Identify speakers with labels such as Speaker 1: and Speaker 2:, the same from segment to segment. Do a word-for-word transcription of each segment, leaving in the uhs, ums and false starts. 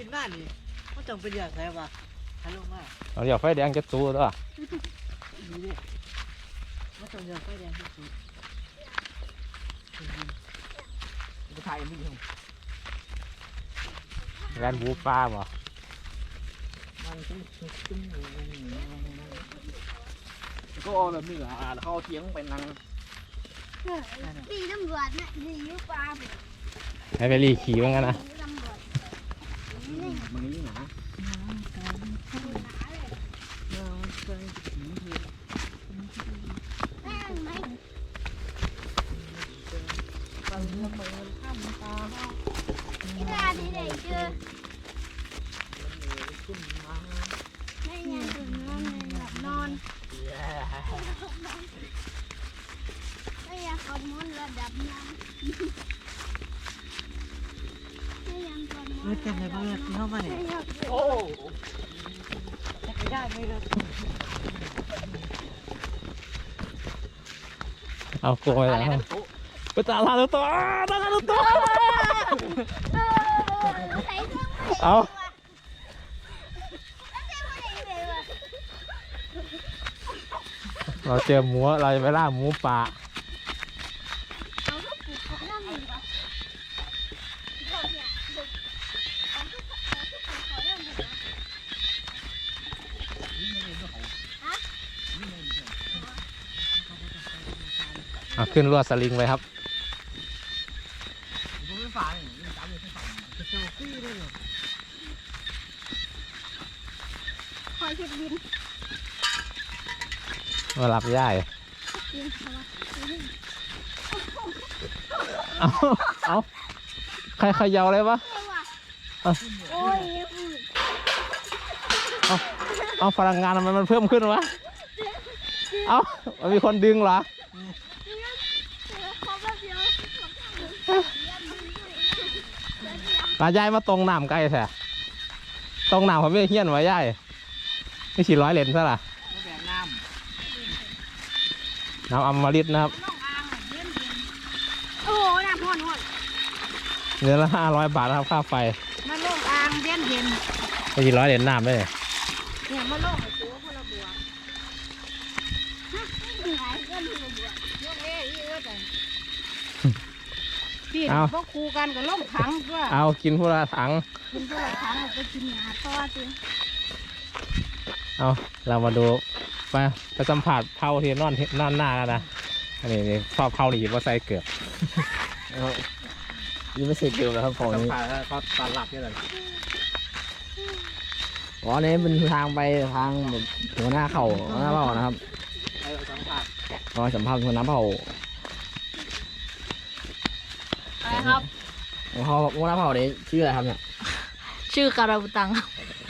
Speaker 1: นบ้านนี่เขาจังเป็นอย่างไรวะฮัลโหลว่า
Speaker 2: เราอยากไฟแดงจะตู้ด้วย
Speaker 1: นี่เนี่ยเขาจังอยากไฟแดงที่สุดไปถ่ายมันอยู่
Speaker 2: งานบูปลาบ่
Speaker 3: ก็เอาแบบนี้แหละเขาเทียงไปนั่ง
Speaker 4: ดีตำรวจนะดียุปลา
Speaker 2: ให้ไปรีขี่ว่างั้นนะ
Speaker 3: มันนี่หนา
Speaker 4: ที่ร้านนี้เลยเจอไม่ยังตื่นนอนเลยหลับนอนไม่ยังขมอนระดับน้ำไม่ยังขมอน
Speaker 1: เมื่อเต็มเลยเมื่อที่เข้ามาเนี่ย
Speaker 3: โอ้
Speaker 1: ไม่ได้ไม่ได้
Speaker 2: เอาโกยแล้วไปตาลาตัวตาลาตัวเอาเราเจอหมูเราจะไปล่าหมูป่าเอาขึ้นลวดสลิงไปครับ
Speaker 4: คอยเช็ดบิน
Speaker 2: มาหลับย่ายเอาเอาใครเขย่าเลยวะเอาเอาเอาพลังงานทำไมมันเพิ่มขึ้นวะเอามันมีคนดึงเหรอตายายมาตรงน้ำใกล้แท้ตรงน้ำเขาไม่เฮี้ยนไว้ยายนี่สี่ร้อยเหรียญซะล่ะน้ำอมฤตนะครับ
Speaker 4: โอ้โหน้ำพ่นพ่น
Speaker 2: เดือนละห้าร้อยบาทนะครับค่าไฟ
Speaker 4: มาลงอ่างเย็นเย็น
Speaker 2: ไม่สี่ร้อยเหรียญน้ำเลย
Speaker 4: เนี่ยมาลงให้ตัวคนละบัวฮะไม่หายเงินคนละบัวยกเอ้ยเอ้ยแต่พี่พวกครูกันกับล่มถังด้วย
Speaker 2: เอากินพวกละถัง
Speaker 4: กินพวกละถังไปกินหาต่อสิ
Speaker 2: เอาเรามาดูไปไปสัมผัสเผาที่นอนนอนหน้ากันนะอันนี้นี่ชอบเผาหนีว่าใส่เกือบ
Speaker 3: ยังไม่เสร็จเดียวแล้วครับของนี้
Speaker 2: ก็ตอนหลับนี่เลย
Speaker 3: อ๋อนี้เป็นทางไปทางแบบหัวหน้าเข่าหัวหน้าเผ่านะครับรอสัมภาษณ์หัวหน้าเผ่า
Speaker 4: อะไรครับ
Speaker 3: เขาหัวหน้าเผ่านี้ชื่ออะไรครับเนี่ย
Speaker 4: ชื่อการาบุตัง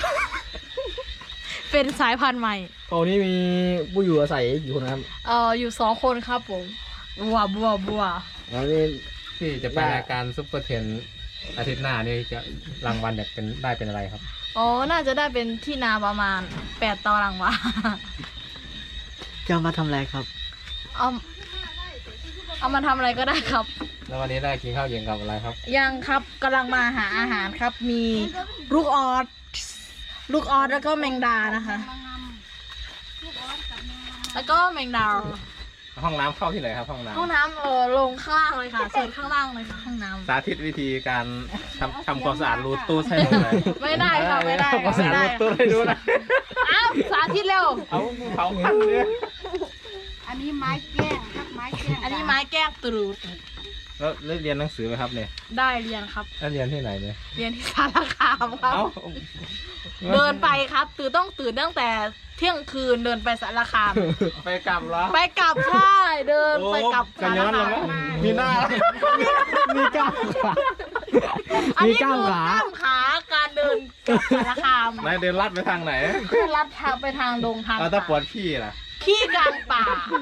Speaker 4: เป็นสายพันธุ์ใหม่
Speaker 3: เผ่านี้มีผู้อยู่อาศัยกี่คนครับ
Speaker 4: เอ่ออยู่สองคนครับผมบัวบัวบัว
Speaker 3: แล้วนี่
Speaker 2: ที่จะไปรายการซุปเปอร์เทนอาทิตย์หน้านี่จะรางวัลเนี่ยเป็นได้เป็นอะไรครับ
Speaker 4: อ๋อน่าจะได้เป็นที่นาประมาณแปดตารางวา
Speaker 1: จะมาทำอะไรครับ
Speaker 4: เอาเอามาทำอะไรก็ได้ครับ
Speaker 2: แล้ววันนี้ได้กินข้าวเย็นกับอะไรครับ
Speaker 4: ยังครับกำลังมาหาอาหารครับมีลูกออสลูกออสแล้วก็แมงดานะคะแล้วก็แมงดา
Speaker 2: ห้องน้ำเข้าที่ไหนครับห้องน้ำ
Speaker 4: ห้องน้ำเออลงข้างล่างเลยค่ะเสิร์ฟข้างล่างเลยค่ะห้องน้ำ
Speaker 2: สาธิตวิธีการทำทำความสะอาดรูตู้ให้หมดเลย
Speaker 4: ไม่ได้ค่ะไม่ได้
Speaker 2: ความสะอาดรูตู้ให้ดูนะ
Speaker 4: อ้าวสาธิตเร็ว
Speaker 2: เอาเผาพันเลย
Speaker 4: อันนี้ไม้แก้งครับไม้แก้งอันนี้ไม้แก้งตรูด
Speaker 2: แล้วเรียนหนังสือไหมครับเนี่ย
Speaker 4: ได้เรียนครับ
Speaker 2: แล้วเรียนที่ไหนเนี่ย
Speaker 4: เรียนที่สารคามครับเดินไปครับตื่นต้องตื่นตั้งแต่เที่ยงคืนเดินไปสารคาม
Speaker 2: ไปกลับเหรอ
Speaker 4: ไปกลับใช่เดินไปกลับ
Speaker 2: สารคามมีหน้ามีก้าวขา
Speaker 4: มีก้าวขาขาการเดินกับสารคาม
Speaker 2: นายเดินลัดไปทางไหน
Speaker 4: เดินลัดทางไปทางดงทาง
Speaker 2: เอาถ้าปวดขี้ล่ะ
Speaker 4: ขี้กลางป่า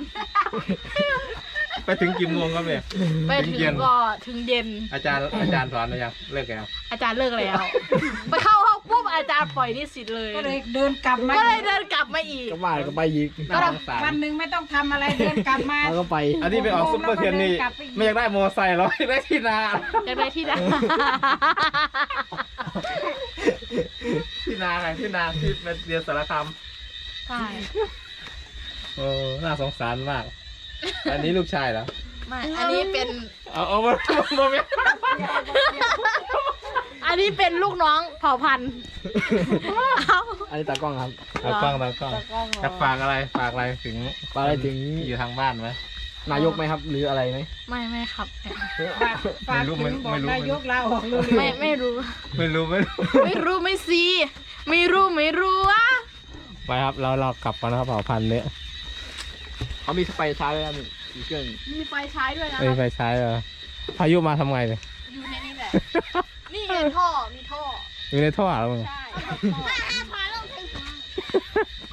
Speaker 2: ไปถึงกี่โมงครับเนี่ย
Speaker 4: ไปถึงก็ถึงเย็น
Speaker 2: อาจารย์อาจารย์สอนหรือยังเลิกแล้ว
Speaker 4: อาจารย์เลิกแล้วไปเข้าห้องปุ๊บอาจารย์ปล่อยนิสิตเลย
Speaker 5: ก็เลยเดินกลับมา
Speaker 4: ก็เลยเดินกลับมาอีก
Speaker 3: ก็มาก็ไปอีก
Speaker 5: วันหนึ่งไม่ต้องทำอะไรเดินกลับมา
Speaker 3: แล้วก็ไป
Speaker 2: อันนี้ไปออกซุปเปอร์เทนนี่ไม่อยากได้มอไซค์หรอกอยากได้ที่นา
Speaker 4: อยากได้ที่นา
Speaker 2: พี่นาไงพี่นาที่เป็นเรียนสารคาม
Speaker 4: ใช่
Speaker 2: โอ้น่าสงสารมาก อันนี้ลูกชายเหรอ
Speaker 4: ไม่อันนี้เป็น
Speaker 2: เอาเอามาโมเมนต์
Speaker 4: อันนี้เป็นลูกน้องเผ่าพันธุ์เอา
Speaker 3: อันนี้ตากล้องครับ
Speaker 2: เอากล้องเอากล้องจะฝากอะไรฝากอะไรถึง
Speaker 3: ฝากอะไรถึง
Speaker 2: ที่อยู่ทางบ้านไหม
Speaker 3: นายกไหมครับ หรืออะไรไหม
Speaker 4: ไม่ไม่ครับ
Speaker 5: ฝากฝาก
Speaker 2: ไม่รู้
Speaker 5: ถึง
Speaker 2: ไม่
Speaker 5: บอก
Speaker 2: ไม่รู้
Speaker 5: นายกลาออกเร็ว
Speaker 4: ไม่ไม่รู้
Speaker 2: ไม่รู้ไม่รู้
Speaker 4: ไม่รู้ไม่ซีไม่รู้ไม่รู้อะ
Speaker 2: ไปครับเราเรากลับกันนะครับเผ่าพันธุ์เนี้ย
Speaker 3: เขามีสไปซ์ช้าด้วยครับมีเครื่อง
Speaker 4: มีไฟใช้ด้วยนะ
Speaker 2: ไม่มีไฟใช้เหรอพายุมาทำไงเนี่ย
Speaker 4: อยู่ในนี้แหละ นี่ไงท่อมีท่อ
Speaker 2: อยู่ในท่อแล้วมึง
Speaker 4: ใช่